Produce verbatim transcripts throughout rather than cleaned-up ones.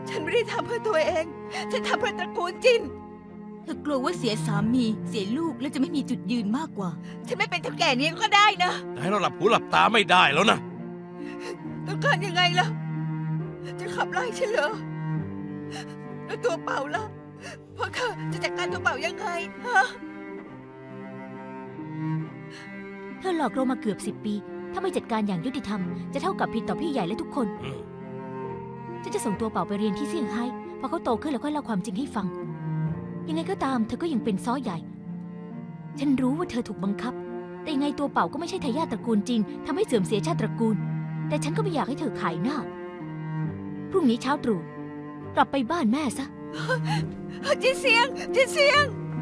ฉันไม่ได้ทำเพื่อตัวเองฉันทำเพื่อตระกูลจินเธอกลัวว่าเสียสามีเสียลูกและจะไม่มีจุดยืนมากกว่าฉันไม่เป็นเท่าแก่นี้ก็ได้นะแต่ให้เราหลับหูหลับตาไม่ได้แล้วนะต้องการยังไงล่ะจะขับไล่ฉันเหรอแล้วตัวเป่าล่ะพวกเธอจะจัดการตัวเป่ายังไงฮะเธอหลอกเรามาเกือบสิบปีถ้าไม่จัดการอย่างยุติธรรมจะเท่ากับผิดต่อพี่ใหญ่และทุกคนฉันจะส่งตัวเป่าไปเรียนที่เซี่ยงไฮ้พอเขาโตขึ้นแล้วค่อยเล่าความจริงให้ฟังยังไงก็ตามเธอก็ยังเป็นซ้อใหญ่ฉันรู้ว่าเธอถูกบังคับแต่ยังไงตัวเป่าก็ไม่ใช่ทายาทตระกูลจริงทำให้เสื่อมเสียชาติตระกูลแต่ฉันก็ไม่อยากให้เธอขายหน้าพรุ่งนี้เช้าตรู่กลับไปบ้านแม่ซะจินเซียงจินเซียง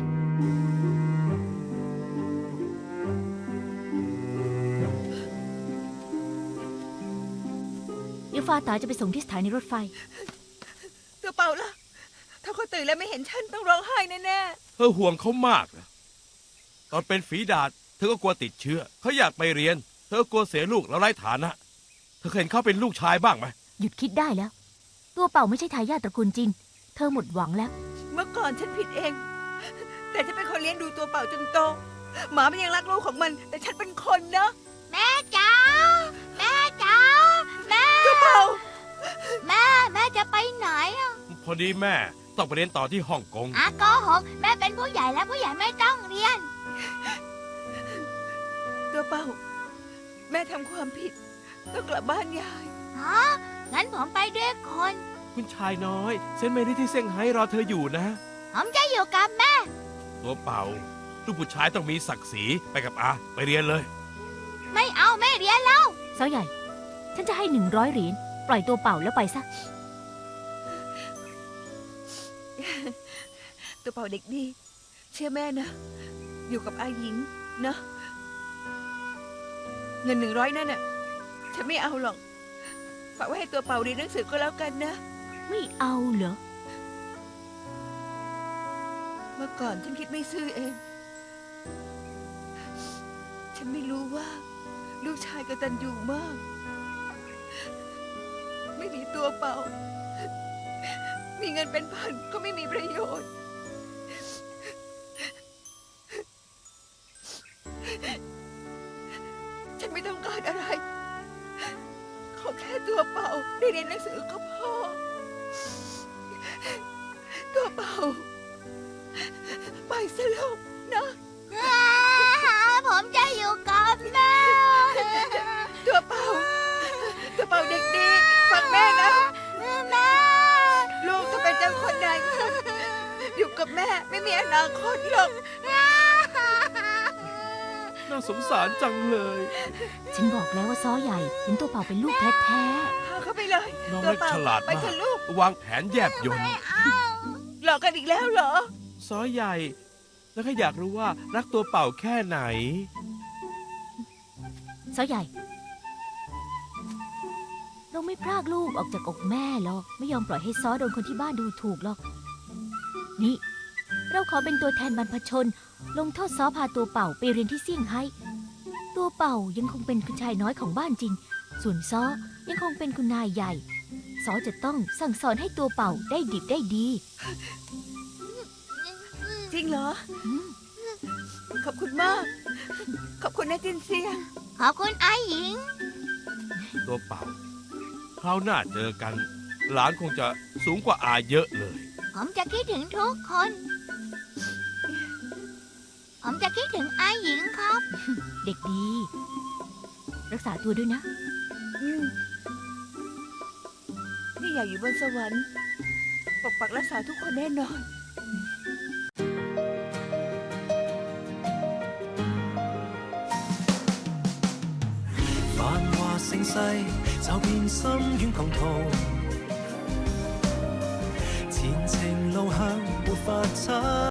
เดี๋ยวฟ้าตาจะไปส่งที่สถานีรถไฟตัวเป่าล่ะถ้าเขาตื่นแล้วไม่เห็นฉันต้องร้องไห้แน่ๆเธอห่วงเขามากนะตอนเป็นฝีดาษเธอก็กลัวติดเชื้อเขาอยากไปเรียนเธอกลัวเสียลูกแล้วไร้ฐานะเธอเคยเห็นเขาเป็นลูกชายบ้างไหมหยุดคิดได้แล้วตัวเป่าไม่ใช่ทายาทตระกูลจริงเธอหมดหวังแล้วเมื่อก่อนฉันผิดเองแต่ฉันเป็นคนเลี้ยงดูตัวเป่าจนโตหมามันยังรักลูกของมันแต่ฉันเป็นคนนะแม่จ๋าแม่จ๋าแม่ตัวเป่าแม่แม่จะไปไหนอ่ะพอดีแม่ต้องไปเรียนต่อที่ฮ่องกงอ่ะโกหกแม่เป็นผู้ใหญ่แล้วผู้ใหญ่ไม่ต้องเรียนตัวเป่าแม่ทำความผิดต้องกลับบ้านยายฮะงั้นผมไปด้วยคนคุณชายน้อยเซนเมรี่ที่เซี่ยงไฮ้รอเธออยู่นะผมจะอยู่กับแม่ตัวเป่าลูกผู้ชายต้องมีศักดิ์ศรีไปกับอาไปเรียนเลยไม่เอาไม่เรียนแล้วสาวใหญ่ฉันจะให้หนึ่งร้อยเหรียญปล่อยตัวเป่าแล้วไปซะตัวเป่าเด็กดีเชื่อแม่นะอยู่กับอาหญิงนะเงินหนึ่งร้อยนั่นน่ะฉันไม่เอาหรอกฝากไว้ให้ตัวเป่าเรียนหนังสือก็แล้วกันนะไม่เอาเหรอเมื่อก่อนฉันคิดไม่ซื่อเองฉันไม่รู้ว่าลูกชายกตัญญูมากไม่มีตัวเป่ามีเงินเป็นพันก็ไม่มีประโยชน์ฉันไม่ต้องการอะไรขอแค่ตัวเป่าได้เรียนหนังสือก็พอตัวเป่าไปซะลูกนะผมจะอยู่กับแม่ตัวเป่าตัวเป่าเด็กดีฟังแม่นะแม่ลูกจะเป็นเจ้าคนใดอยู่กับแม่ไม่มีอนาคตหรอกน่าสงสารจังเลยฉันบอกแล้วว่าซ้อใหญ่เห็นตัวเป่าเป็นลูกแท้ๆพาเข้าไปเลยน้องเล็กฉลาดมากวางแผนแยบยลหลอกกันอีกแล้วเหรอซ้อใหญ่แล้วก็อยากรู้ว่ารักตัวเป่าแค่ไหนซ้อใหญ่เราไม่พรากลูกออกจากอกแม่หรอกไม่ยอมปล่อยให้ซ้อโดนคนที่บ้านดูถูกหรอกนี่เราขอเป็นตัวแทนบรรพชนลงโทษซ้อพาตัวเป่าไปเรียนที่เซี่ยงไฮ้ตัวเป่ายังคงเป็นคุณชายน้อยของบ้านจริงส่วนซ้อยังคงเป็นคุณนายใหญ่ซ้อจะต้องสั่งสอนให้ตัวเป่าได้ดิบได้ดีจริงเหรอขอบคุณมากขอบคุณนะจินเซียงขอบคุณอาหญิงตัวเป่าคราวหน้าเจอกันหลานคงจะสูงกว่าอาเยอะเลยผมจะคิดถึงทุกคนผมจะคิดถึงอาหญิงครับเด็กดีรักษาตัวด้วยนะนี่อยากอยู่บนสวรรค์ปกปักรักษาทุกคนแน่นอน繁華盛世就變深淵狂徒，前程路向沒法測。